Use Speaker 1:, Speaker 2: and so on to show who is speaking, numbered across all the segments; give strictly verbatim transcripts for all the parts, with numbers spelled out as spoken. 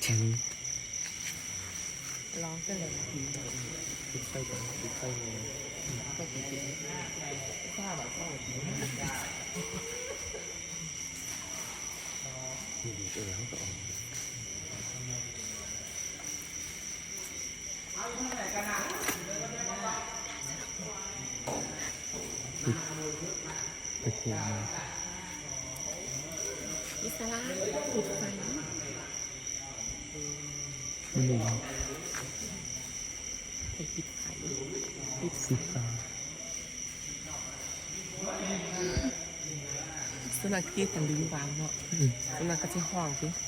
Speaker 1: ร้องกันเลยปิดไฟก่อนปิดไฟเลยก็ปิดปิดข้าวแบบข้าวดีเออเขาต่อไปเที่ยวมาอิสระปิดไฟไม่รู้ไปปิดไฟปิดปิดไฟสุนัขที่ตันดึงวางเนาะสุนัขก็จะห้องสิ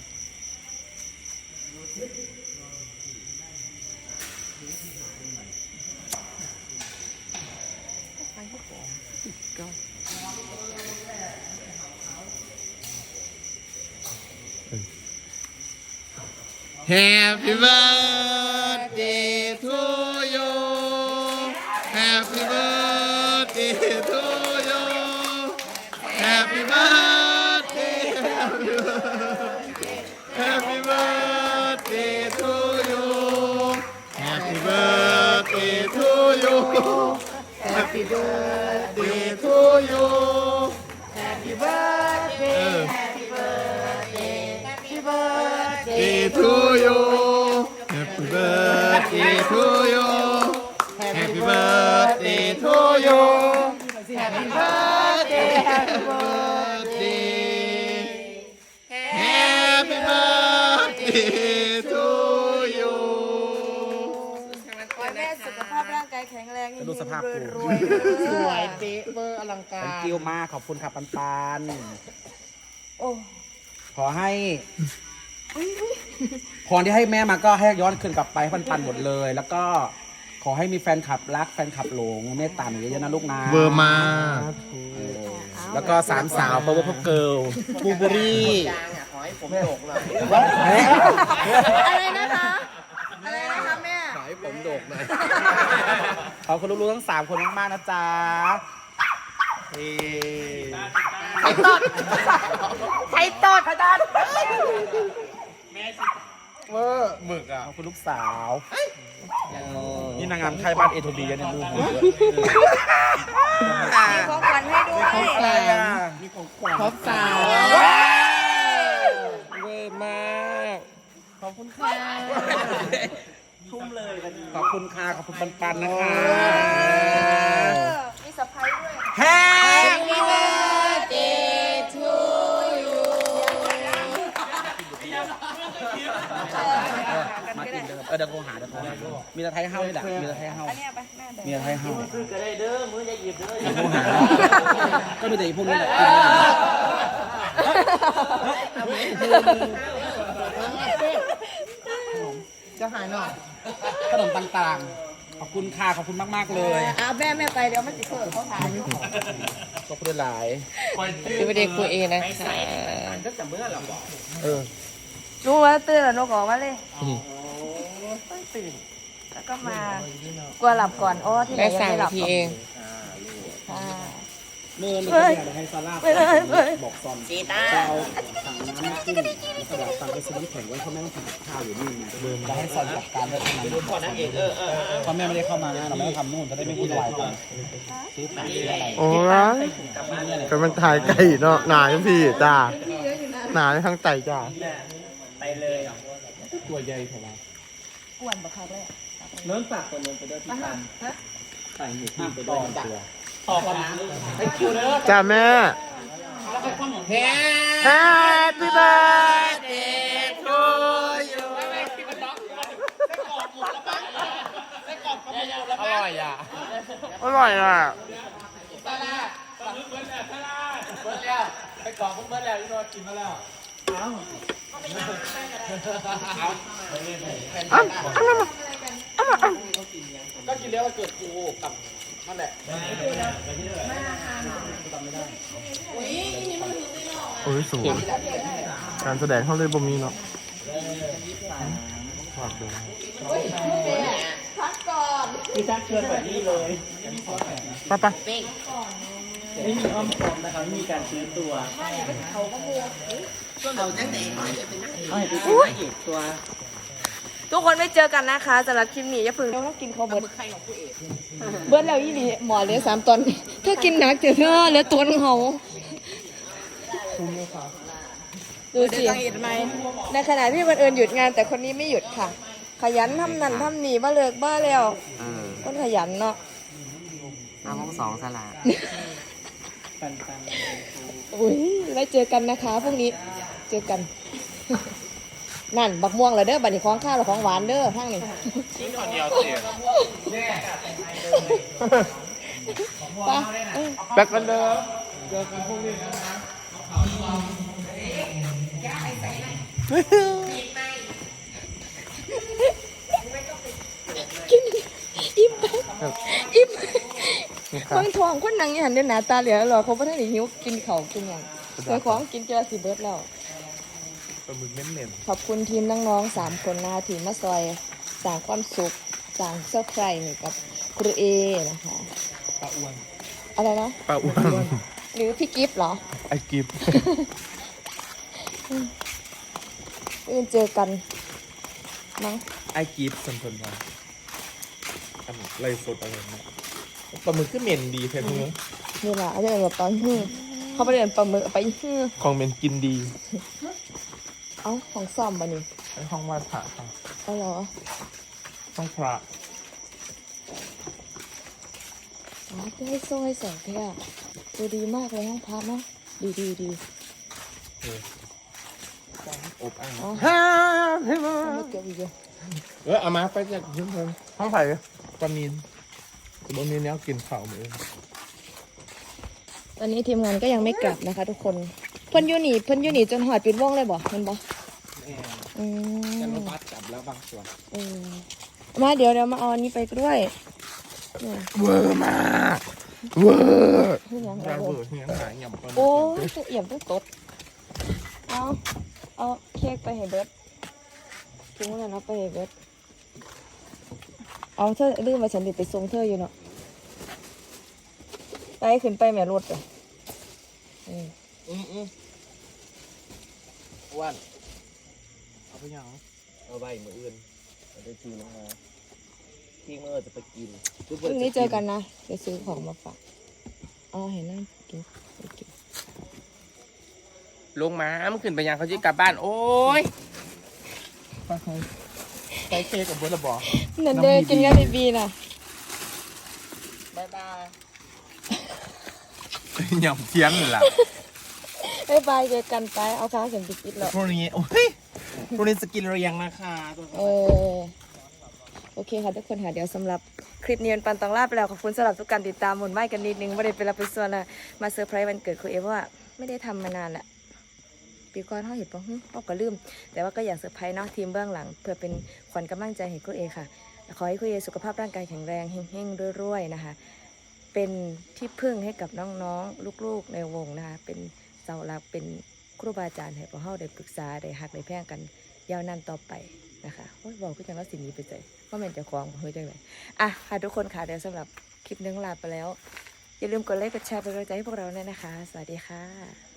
Speaker 1: ไฟก็ปิดก็Happy birthday to you Happy birthday to you Happy birthday Happy birthday to you Happy birthday to you Happy birthday to you Happy birthday Happy birthday Happy birthday to you Happy birthday to you Happy birthday to you Happy birthday Happy birthday Happy birthday to you
Speaker 2: ขอให้แม่สุขภาพร่างกายแข็งแรง
Speaker 3: ดูสภาพ
Speaker 2: รวยๆ
Speaker 1: สวยเป๊ะเบอร์อลังการ
Speaker 3: เป็นกิ้วมากขอบคุณครับปันปัน
Speaker 2: โอ้
Speaker 3: ขอให้พรที่ให้แม่มาก็ให้ย้อนคืนกลับไปให้ปันปันหมดเลย แล้วก็ขอให้มีแฟนคลับรักแฟนคลับหลงเมตตาหนูเยอะๆนะลูกนะ
Speaker 1: เบอร์มา
Speaker 3: แล้วก็สามสาวเพราะว่าพวกเกิร์ล
Speaker 1: บูเบอรี่
Speaker 2: อะไรนะคะอะไรนะคะแม่
Speaker 1: ขายผมโดกหน่อย
Speaker 3: ขอบคุณลูกๆทั้งสามคนมากๆนะจ๊ะ
Speaker 2: ไข่ตอดไข่ตอดไข่ตอด
Speaker 1: เวอร์หมึกอ่ะ
Speaker 3: ขอบคุณลูกสาวนี่นางงามไทยบ้านเอทูบีเนี่ยดูหัว
Speaker 2: มีของขวัญให้ด้วย
Speaker 1: มีของขวัญท็อปสาวเวอร์มากขอบคุณค่ะ
Speaker 3: ทุ่มเลยขอบคุณค่ะขอบคุณปันปันๆนะคะ
Speaker 2: มีสะพายด้วย
Speaker 3: Happy
Speaker 2: birthday to you
Speaker 3: มากินเดิมเออเดี๋ยวโทรหาเดี๋ยวโทรหามีตะไทยเฮ้านี่แหละมีตะไทยเฮ้า
Speaker 2: อันนี้ไปแม่แบ่ง
Speaker 3: มีตะไทยเฮ้า
Speaker 4: ซื้อก็ได้เด้อมือจะหยิบเด้อ
Speaker 3: เดี๋ยวโทรหาก็มีแต่อีพวกนี้แหละกิน
Speaker 1: จะหายหน่อย
Speaker 3: ขนมต่างๆขอบคุณค่ะขอบคุณมากๆเลย
Speaker 2: เอาแม่แม่ไปเดี๋ยวมันติดเพิ่มเขาทาน
Speaker 3: ขอบคุณหลาย
Speaker 1: พี่ประเด็กคุยเองนะคะ
Speaker 3: เออ
Speaker 2: รู้ว่าตื่นแล้วนกออกมาเลยต้องตื่นแล้วก็มากลัวหลับก่อนโอ้ที่ไหน
Speaker 1: ได้
Speaker 2: ยัง
Speaker 1: สาม
Speaker 2: ไม่หลั
Speaker 1: นา
Speaker 2: บ
Speaker 1: ทีเอง
Speaker 2: ค่ะ
Speaker 3: เมื่อนี้อยากจะให้ซาร่า
Speaker 2: ไม่ได้ไม่ได้
Speaker 3: บอกซอนจีตาเราสั่งน้ำมากินแล้วก็เดี๋ยวสั่งไปซื้อน้ำแข็งไว้เพราะแม่ต้องทำกับข้าวอยู่นี่ไงจะให้ซอนจัดการเรื่องนั้นก่อนนะเอกเออเออเพราะแม่ไม่ได้เข้ามานะเราไม่ต้องทำนู่นจะได้ไม่วุ่นวายกันซื้อผักซื้ออะไร
Speaker 5: โอ้ยก็มันถ่ายไก่เนาะหนาทั้งพี่จ้าหนาทั้งไก่จ้า
Speaker 4: ไปเลย
Speaker 3: ตัวใหญ่เท่าไหร่
Speaker 2: อ้วนบักคักเลย
Speaker 4: เนื้อฝากคนลงไปด้วยที่ตัน
Speaker 3: ใส่หมูที่ไปด้วยตัว
Speaker 4: ต่อกันนะไปคิวเด้อ
Speaker 5: จ้าแม่
Speaker 3: Happy birthday to you
Speaker 1: อร่อยอ่ะ
Speaker 5: อร่อยอ่ะ
Speaker 4: ไปกองพวกเมื่อแล้วที่นอนกินมาแล้ว
Speaker 3: ก็กินแล้วมันเกิดกูกับนั่นแหละ
Speaker 5: โอ้ยสูงการแสดงเขาเลยบ่มีเนาะฝากดู
Speaker 2: พักก่อน
Speaker 4: พี่ชักเชิญแบบนี้เลย
Speaker 5: ไปไป
Speaker 3: ไม่มีอ้อมคอมนะครับไม่มีการซื้อตัวเขาก็มัวเราจะไหนน้อยจะเป็นนักเอกตัว
Speaker 2: ทุกคนไม่เจอกันนะคะสำหรับคลิปนี้อย่าเพิ่งต้องกินข้าวเบิร์ดเบิร์ดแล้วอีหลีหมอเหลือสามตอนถ้ากินหนักเจอเธอเหลือตัวนึงเขาดูสิในขณะที่คนอื่นหยุดงานแต่คนนี้ไม่หยุดค่ะ ขยันทำนั่นทำนี่บ้าเลิกบ้าแล้วคนขยันเนาะ
Speaker 1: น้ำห้องสองสลา
Speaker 2: อุ้ยไว้เจอกันนะคะพรุ่งนี้เจอกัน นั่นบักม่วงเหรอเด้อบัดนี้ของข้าวหรือของหวานเด้อทั้งนี้กินคนเดียวเสียไป
Speaker 5: แบกกันเด้อเจอกันพรุ่งนี้นะ
Speaker 2: กินอิ่มไปอิ่มบางทองคนนั่งอย่างนี้หน้าตาเหลือหรอเขาไม่ได้หิวกินเขากินอย่างเจอของกินเจอสิเบิร์ดแล้ว
Speaker 5: ปลาหมึกเน้น
Speaker 2: ขอบคุณทีมน้องๆสามคนนะคะทีมมาซอยสร้างความสุขสร้างเซอร์ไพรส์ให้กับครูเอนะคะปลาอ้วนอะไรนะ
Speaker 5: ๆปลาอ้วน
Speaker 2: หรือพี่กิฟต์เหรอ
Speaker 5: ไอ้กิฟ
Speaker 2: อื่นเจอกันมั้ง
Speaker 5: ไอ้กิฟสัมพันธ์มาอันไรสดอะไรนะปลาหมึกก็เหม็นดีแท้ทุกคน
Speaker 2: นี่แหละอาจจะเป็นแบบตอนฮือเขาไปเรียนปลาหมึกเอาไปฮือ
Speaker 5: ของเหม็นกินดี
Speaker 2: เอ้าของซ่อมมานี่
Speaker 5: ไอ้ห้องวาดพระค่ะ
Speaker 2: เอาเหรอ
Speaker 5: ห้องพระ
Speaker 2: อ๋อจะให้โซ่ให้แสงแค่ดูดีมากเลยห้องพักเนาะดีดีดี
Speaker 5: อบอ้าง
Speaker 2: อ๋อ
Speaker 5: ฮ่าให้มา
Speaker 2: ไม่เกี่ยวอีกเลย
Speaker 5: เออเอามาไปจากยืมเพิ่มห้องไผ่ปลามีนบนนี้เนี้ยกินข้าวมือ
Speaker 2: ตอนนี้ทีมงานก็ยังไม่กลับนะคะ ทุกคนเพิ่นอยูหนีเพิ่นอยูหนีจนหอดปิดวงเลยบ่เพิ่นบ่อืม
Speaker 3: จะรถบัสกลับแล้วบางส่วน
Speaker 2: เออมาเดี๋ยวเดี๋ยวมาเอาอันนี้ไปด้วยเนี่ย
Speaker 5: เวอร์มากเวอร์
Speaker 2: เพิ่นยังไง
Speaker 5: ดาว
Speaker 2: เล
Speaker 5: เวอย ร์เฮียงหายหย่ำปลาหมึก
Speaker 2: โอ้ยตัวเอี่ยมตัวตดเอาเอาเค้กไปให้เบิร์ดทิ้งไว้แล้วนะไปให้เบิร์ดเอาเธอลืมมาฉันติดไปส่งเธออยู่เนาะไปขึ้นไปแม่รถเลยอืม
Speaker 3: อืมอืมอ้วนเอาไปยังเอาใบมืออื่นเอาไปจีลงมาที่เมื่อจะไปกิน
Speaker 2: พรุ่งนี้เจอกันนะจะซื้อของมาฝากอ๋อเห็นนั่งกินไปกิน
Speaker 1: ลงมามันขึ้นไปยังเขาจะกลับบ้านโอ้ย
Speaker 5: ใช้เค้กกับเบอร์ละบอก
Speaker 2: นั่นเด้อกินกันบีบีน่ะ
Speaker 1: บายบาย
Speaker 5: หย่ำเทียนเลยล่ะ
Speaker 2: บ๊ายบายเจอกันไปเอาข้าวเสียงปิดปิดแล้ว
Speaker 5: พรุ่งนี้โอ้ยพรุ่งนี้สกินเรียงนะคะ
Speaker 2: เออโอเคค่ะทุกคนค่ะเดี๋ยวสำหรับคลิปนี้ปันตองลาไปแล้วขอบคุณสำหรับทุกการติดตามหมุนไม้กันนิดนึงไม่ได้เป็นรับเป็นส่วนละมาเซอร์ไพรส์วันเกิดครูเอเพราะว่าไม่ได้ทำมานานแหละปีก่อนเขาเห็นปะฮึเขาก็ลืมแต่ว่าก็อยากเซอร์ไพรส์เนาะทีมเบื้องหลังเพื่อเป็นขวัญกำลังใจให้ครูเอค่ะขอให้ครูเอสุขภาพร่างกายแข็งแรงเฮงๆรวยๆนะคะเป็นที่พึ่งให้กับน้องๆลูกๆในวงนะคะเป็นเสาหลักเป็นครูบาอาจารย์ให้พวกเขาได้ปรึกษาได้หักได้แพร่งกันยาวนานต่อไปนะคะโอ้ยบอกก็จังว่าสิ่งนี้ไปใจว่ามันจะคล้องเฮ้ยจังเลยอ่ะค่ะทุกคนค่ะเดี๋ยวสำหรับคลิปนึงลาไปแล้วอย่าลืมกดไลค์กดแชร์เป็นกำลังใจให้พวกเราด้วยนะคะสวัสดีค่ะ